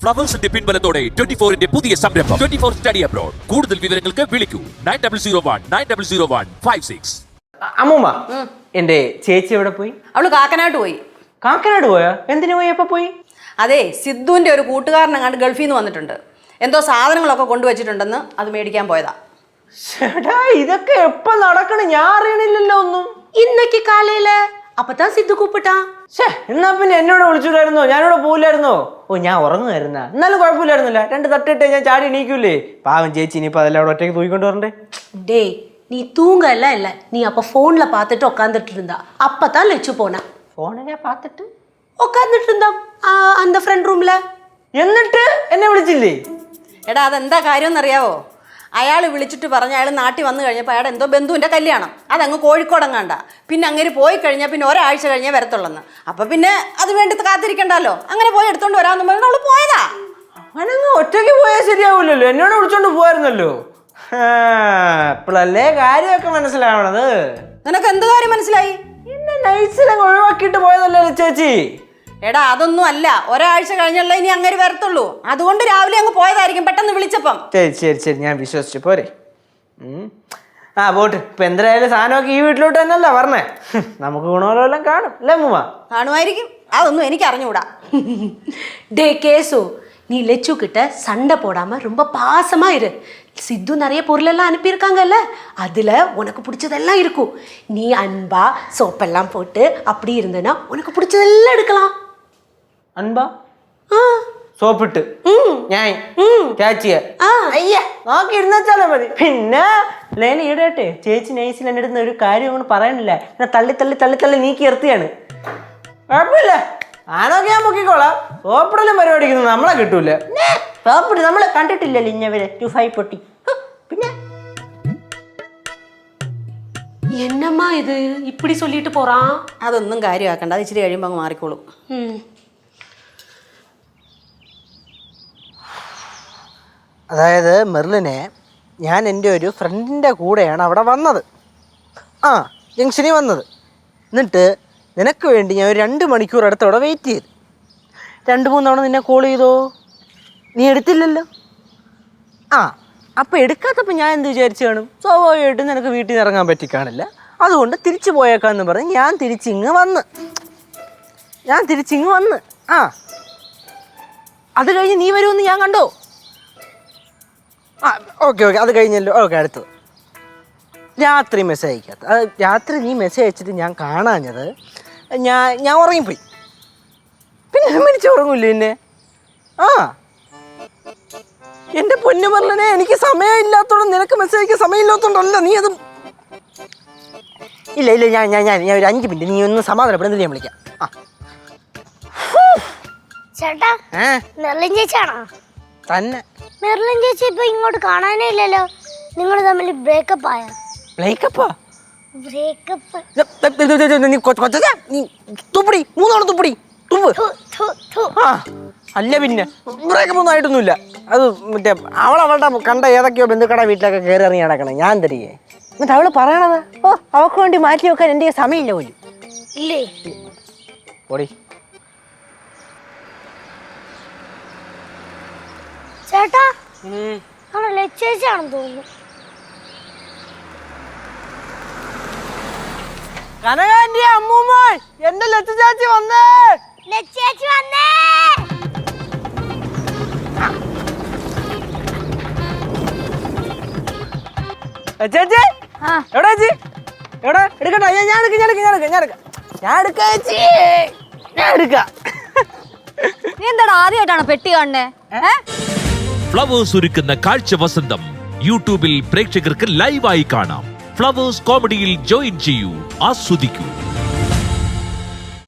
ഫ്ലവേഴ്സിന്റെ പിൻബലത്തോടെ 24-ന്റെ പുതിയ സംരംഭം 24 study abroad. കൂടുതൽ വിവരങ്ങൾക്ക് വിളിക്കൂ 9001900156. അമ്മൂമ്മ, എന്റെ ചേച്ചി എവിടെ പോയി? അവള് കാക്കനാട്ട് പോയി. കാക്കനാട് പോയോ? എന്തിനു പോയി? എപ്പോ പോയി? അതെ, സിദ്ധുവിന്റെ ഒരു കൂട്ടുകാരനെങ്ങാണ്ട് ഗൾഫിൽ നിന്ന് വന്നിട്ടുണ്ട്. എന്തോ സാധനങ്ങളൊക്കെ കൊണ്ടുവച്ചിട്ടുണ്ടെന്ന് അത് മേടിക്കാൻ പോയതാ. ചേട്ടാ, ഇതൊക്കെ എപ്പോ നടക്കണ? ഞാൻ അറിയണില്ലല്ലോ ഒന്നും. ഇന്നക്ക് കാലയില് അപ്പത്താ സിദ്ധു കൂപ്പിട്ടാ. എന്നാ പിന്നെ എന്നോട് വിളിച്ചിട്ടായിരുന്നോ? ഞാനിവിടെ പോയില്ലായിരുന്നോ? ഓ, ഞാൻ ഉറങ്ങുമായിരുന്ന. എന്നാലും കുഴപ്പമില്ലായിരുന്നില്ല. 2 തട്ടിട്ടേ ഞാൻ ചാടി എണീക്കൂലേ. പാവം ചേച്ചി, ഇനിയിപ്പോ അതെല്ലാം അവിടെ ഒറ്റയ്ക്ക് തൂക്കിക്കൊണ്ട് വരണ്ടേ? டே நீ தூங்கல இல்ல, நீ அப்ப போன்ல பார்த்துட்டு உட்காந்துட்டு இருந்தா. அப்பதான் லெச்சு போனா. ഫോണിനെ പാത്തിട്ട് உட்காந்துட்டு இருந்தா அந்த ஃப்ரெண்ட் ரூம்ல. എന്നിട്ട് എന്നെ വിളിച്ചില്ലേ? എടാ, അതെന്താ കാര്യം എന്നറിയാവോ? അയാൾ വിളിച്ചിട്ട് പറഞ്ഞ അയാൾ നാട്ടിൽ വന്നു കഴിഞ്ഞപ്പോൾ അയാൾ എന്തോ ബന്ധുവിൻ്റെ കല്യാണം, അതങ്ങ് കോഴിക്കോടങ്ങാണ്ട. പിന്നെ അങ്ങനെ പോയി കഴിഞ്ഞാൽ പിന്നെ ഒരാഴ്ച കഴിഞ്ഞേ വരത്തുള്ളെന്ന്. അപ്പം പിന്നെ അത് വേണ്ടി കാത്തിരിക്കണ്ടല്ലോ, അങ്ങനെ പോയി എടുത്തോണ്ട് വരാമെന്ന് പറഞ്ഞാൽ അവള് പോയതാ. അവനങ്ങ് ഒറ്റയ്ക്ക് പോയാൽ ശരിയാവില്ലല്ലോ. എന്നോട് വിളിച്ചോണ്ട് പോവായിരുന്നല്ലോ. ഇപ്പോഴല്ലേ കാര്യമൊക്കെ മനസ്സിലാവണത്. നിനക്ക് എന്ത് കാര്യം മനസ്സിലായി? എന്നെ നൈസിലങ്ങ് ഒഴിവാക്കിയിട്ട് പോയതല്ലേ ചേച്ചി? എടാ, അതൊന്നും അല്ല, ഒരാഴ്ച കഴിഞ്ഞല്ല ഇനി അങ്ങനെ വരത്തുള്ളൂ. അതുകൊണ്ട് രാവിലെ അങ്ങ് പോയതായിരിക്കും പെട്ടെന്ന് വിളിച്ചപ്പം. ശരി, ഞാൻ വിശ്വസിച്ചു പോരെ. പോട്ട്. ഇപ്പൊ എന്തായാലും സാധനമൊക്കെ ഈ വീട്ടിലോട്ട് തന്നെയല്ല പറഞ്ഞേ. നമുക്ക് ഗുണമെല്ലാം കാണും അല്ലേ അമ്മൂമ്മ? കാണുമായിരിക്കും, അതൊന്നും എനിക്ക് അറിഞ്ഞുകൂടാ. டே கேசு, நீ லெச்சு கிட்ட சண்டை போடாம ரொம்ப பாசமா இரு. சித்து நிறைய பொருள் எல்லாம் அனுப்பியிருக்காங்கல்ல, அதுல உனக்கு பிடிச்சதெல்லாம் இருக்கும். நீ அன்பா சோப்பெல்லாம் போட்டு அப்படி இருந்தனா உனக்கு பிடிச்சதெல்லாம் எடுக்கலாம். അൻപ സോപ്പിട്ട് ഞാൻ ചേച്ചിയ അയ്യ നോക്കി ഇരുന്നാച്ചാലേ മതി. പിന്നെ ലേല ഈടട്ടെ ചേച്ചി നൈസിൽ എൻ്റെ അടുത്ത് ഒരു കാര്യം കൊണ്ട് പറയണില്ല. എന്നെ തള്ളി തള്ളി തള്ളി തള്ളി നീക്കി നിർത്തിയാണ്. കുഴപ്പമില്ല, ആണോക്കെ ഞാൻ പൊക്കിക്കോളാം. സോപ്പിടലും പരിപാടിക്കുന്നു നമ്മളെ കിട്ടൂല. സോപ്പിട്ട് നമ്മളെ കണ്ടിട്ടില്ലല്ലോ ഇന്നവരെ. 25 പൊട്ടി. പിന്നെ என்னம்மா இது இப்படி சொல்லிட்டு போறான்? അതൊന്നും കാര്യമാക്കണ്ട, അത് ഇച്ചിരി കഴിയുമ്പോൾ അങ്ങ് മാറിക്കോളും. അതായത് മെർലിനെ ഞാൻ എൻ്റെ ഒരു ഫ്രണ്ടിൻ്റെ കൂടെയാണ് അവിടെ വന്നത്. ജംഗ്ഷനിൽ വന്നത്. എന്നിട്ട് നിനക്ക് വേണ്ടി ഞാൻ ഒരു 2 മണിക്കൂർ അടുത്ത് അവിടെ വെയിറ്റ് ചെയ്തു. 2-3 തവണ നിന്നെ കോൾ ചെയ്തോ? നീ എടുത്തില്ലല്ലോ. അപ്പോൾ എടുക്കാത്തപ്പോൾ ഞാൻ എന്ത് വിചാരിച്ചു കാണും? സ്വാഭാവികമായിട്ടും നിനക്ക് വീട്ടിൽ നിന്ന് ഇറങ്ങാൻ പറ്റി കാണില്ല. അതുകൊണ്ട് തിരിച്ചു പോയേക്കാന്ന് പറഞ്ഞ് ഞാൻ തിരിച്ചിങ്ങ് വന്ന്. അത് കഴിഞ്ഞ് നീ വരുമെന്ന് ഞാൻ കണ്ടോ? ഓക്കെ, അത് കഴിഞ്ഞല്ലോ. ഓക്കെ, അടുത്തത് രാത്രി മെസ്സേജ് അയക്കാത്ത. അത് രാത്രി നീ മെസ്സേജ് അയച്ചിട്ട് ഞാൻ കാണാഞ്ഞത് ഞാൻ ഉറങ്ങിപ്പോയി. പിന്നെ മരിച്ചു ഉറങ്ങൂല്ലേ എന്നെ? എൻ്റെ പൊന്നു പറഞ്ഞേ, എനിക്ക് സമയമില്ലാത്തോണ്ട് നിനക്ക് മെസ്സേജ് അയക്കാൻ സമയമില്ലാത്തോണ്ടല്ല. നീ അത് ഇല്ല ഞാൻ ഒരു 5 മിനിറ്റ് നീ ഒന്ന് സമാധാനപ്പെടുന്നത് ഞാൻ വിളിക്കാം. ചേട്ടാ, മെർലിൻ ചേച്ചിയാണോ? തന്നെ. മെർലിൻ ചേച്ചി ഇപ്പൊ ഇങ്ങോട്ട് കാണാനേ ഇല്ലല്ലോ. നിങ്ങൾ തമ്മിൽ ബ്രേക്കപ്പ് ആയോ? ബ്രേക്കപ്പാ? ബ്രേക്കപ്പ് നീ തുപ്പടി 3 തവണ തുപ്പടി തുപ്പ്. അല്ല പിന്നെ ബ്രേക്കപ്പ് ഒന്നും ആയിട്ടൊന്നുമില്ല. അത് മറ്റേ അവളുടെ കണ്ട ഏതൊക്കെയോ ബന്ധുക്കട വീട്ടിലൊക്കെ കയറി ഇറങ്ങി നടക്കണം. ഞാൻ തരികയെ. എന്നിട്ട് അവള് പറയണത് അവൾക്ക് വേണ്ടി മാറ്റി വെക്കാൻ എൻ്റെ സമയമില്ല പോലും. ഇല്ലേ? ഓടി ചേട്ടാ, ലച്ചേച്ചാണെന്ന് തോന്നുന്നു. കനകാന്റെ അമ്മൂമ്മ, എന്റെ ലച്ചു ചാച്ചി വന്നേ. ലച്ചേച്ചി വന്നേ. ചേച്ചി എവിടെ ചേച്ചി? എവിടെ എടുക്കട്ടെ? ഞാൻ എടുക്കാം. നീ എന്താടാ ആദ്യമായിട്ടാണ് പെട്ടി കാണുന്നേ? ഫ്ലവേഴ്സ് ഒരുക്കുന്ന കാഴ്ച വസന്തം യൂട്യൂബിൽ പ്രേക്ഷകർക്ക് ലൈവായി കാണാം. ഫ്ലവേഴ്സ് കോമഡിയിൽ ജോയിൻ ചെയ്യൂ, ആസ്വദിക്കൂ.